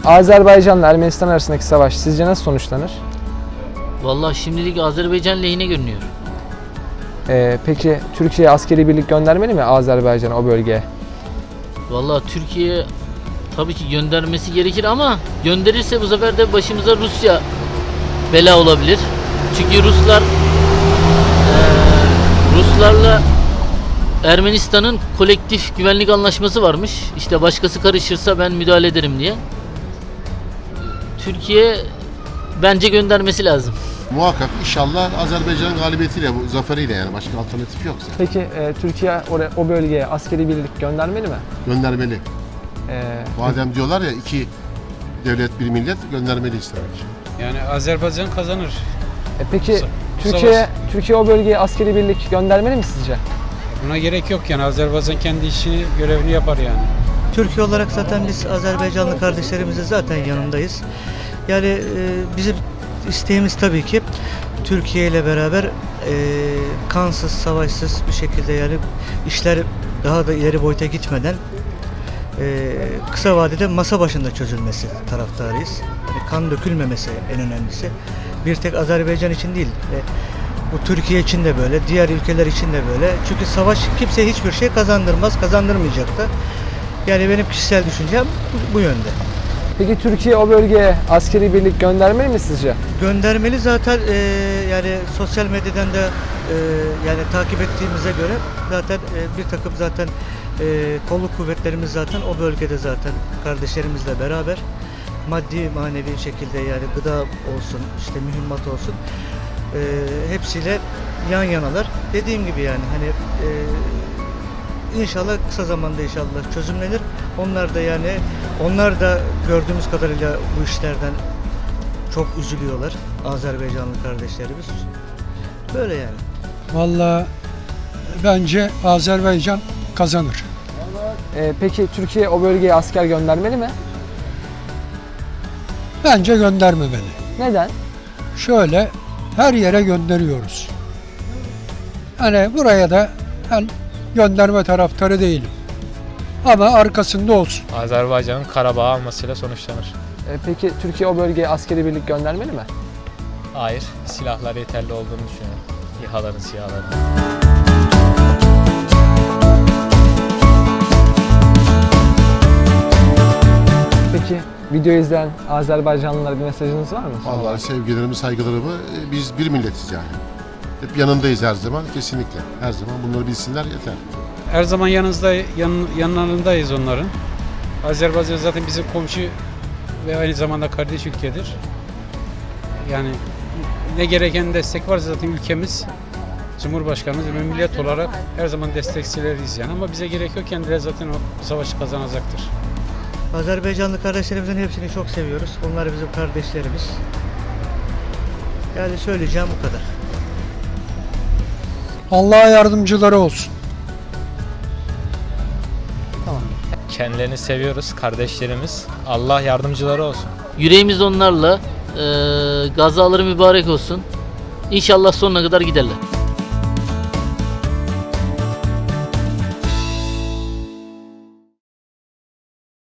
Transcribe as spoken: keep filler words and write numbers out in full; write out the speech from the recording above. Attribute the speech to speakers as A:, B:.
A: Azerbaycan'la Ermenistan arasındaki savaş sizce nasıl sonuçlanır?
B: Vallahi şimdilik Azerbaycan lehine görünüyor.
A: Ee, peki Türkiye askeri birlik göndermeli mi Azerbaycan'a, o bölgeye?
B: Vallahi Türkiye tabii ki göndermesi gerekir ama gönderirse bu sefer de başımıza Rusya bela olabilir. Çünkü Ruslar eee, Ruslarla Ermenistan'ın kolektif güvenlik anlaşması varmış. İşte başkası karışırsa ben müdahale ederim diye. Türkiye bence göndermesi lazım.
C: Muhakkak inşallah Azerbaycan'ın galibiyetiyle, bu zaferiyle, yani başka alternatif yoksa
A: Peki e, Türkiye oraya, o bölgeye askeri birlik göndermeli mi?
C: göndermeli.
A: Ee,
C: Madem diyorlar ya iki devlet bir millet, göndermeli istemek.
D: Yani Azerbaycan kazanır.
A: e, peki
D: Sa-
A: Türkiye
D: savaş.
A: Türkiye o bölgeye askeri birlik göndermeli mi sizce?
D: Buna gerek yok yani. Azerbaycan kendi işini, görevini yapar yani.
E: Türkiye olarak zaten biz Azerbaycanlı kardeşlerimizin zaten yanındayız. Yani e, bizim isteğimiz tabii ki Türkiye ile beraber e, kansız, savaşsız bir şekilde, yani işler daha da ileri boyuta gitmeden e, kısa vadede masa başında çözülmesi taraftarıyız. Yani kan dökülmemesi en önemlisi. Bir tek Azerbaycan için değil, e, bu Türkiye için de böyle, diğer ülkeler için de böyle. Çünkü savaş kimseye hiçbir şey kazandırmaz, kazandırmayacak da. Yani benim kişisel düşüncem bu, bu yönde.
A: Peki Türkiye o bölgeye askeri birlik göndermeli mi sizce?
E: Göndermeli zaten, e, yani sosyal medyadan da e, yani takip ettiğimize göre zaten e, bir takım zaten e, kolluk kuvvetlerimiz zaten o bölgede zaten kardeşlerimizle beraber maddi manevi şekilde, yani gıda olsun, işte mühimmat olsun, e, hepsiyle yan yanalar. Dediğim gibi yani hani e, İnşallah kısa zamanda inşallah çözümlenir. Onlar da yani onlar da gördüğümüz kadarıyla bu işlerden çok üzülüyorlar, Azerbaycanlı kardeşlerimiz. Böyle yani.
F: Vallahi bence Azerbaycan kazanır.
A: Ee, peki Türkiye o bölgeye asker göndermeli mi?
F: Bence göndermemeli.
A: Neden?
F: Şöyle her yere gönderiyoruz. Hani buraya da ben gönderme taraftarı değilim. Ama arkasında olsun.
G: Azerbaycan'ın Karabağ almasıyla sonuçlanır.
A: Ee, peki Türkiye o bölgeye askeri birlik göndermeli mi?
G: Hayır, silahlar yeterli olduğunu düşünüyorum. İHA'ların, SİHA'ların.
A: Peki video izleyen Azerbaycanlılara bir mesajınız var mı?
C: Vallahi sevgilerimi, saygılarımı, e, biz bir milletiz yani. Hep yanındayız her zaman, kesinlikle. Her zaman bunları bilsinler yeter.
D: Her zaman yanınızda, yan, yanlarındayız onların. Azerbaycan zaten bizim komşu ve aynı zamanda kardeş ülkedir. Yani ne gereken destek var zaten ülkemiz, Cumhurbaşkanımız ve millet olarak her zaman destekçileriyiz yani. Ama bize gerek yok, kendileri zaten o savaşı kazanacaktır.
E: Azerbaycanlı kardeşlerimizin hepsini çok seviyoruz. Onlar bizim kardeşlerimiz. Yani söyleyeceğim bu kadar.
F: Allah'a yardımcıları olsun.
G: Kendilerini seviyoruz, kardeşlerimiz. Allah yardımcıları olsun.
B: Yüreğimiz onlarla. Eee gazaları mübarek olsun. İnşallah sonuna kadar giderler.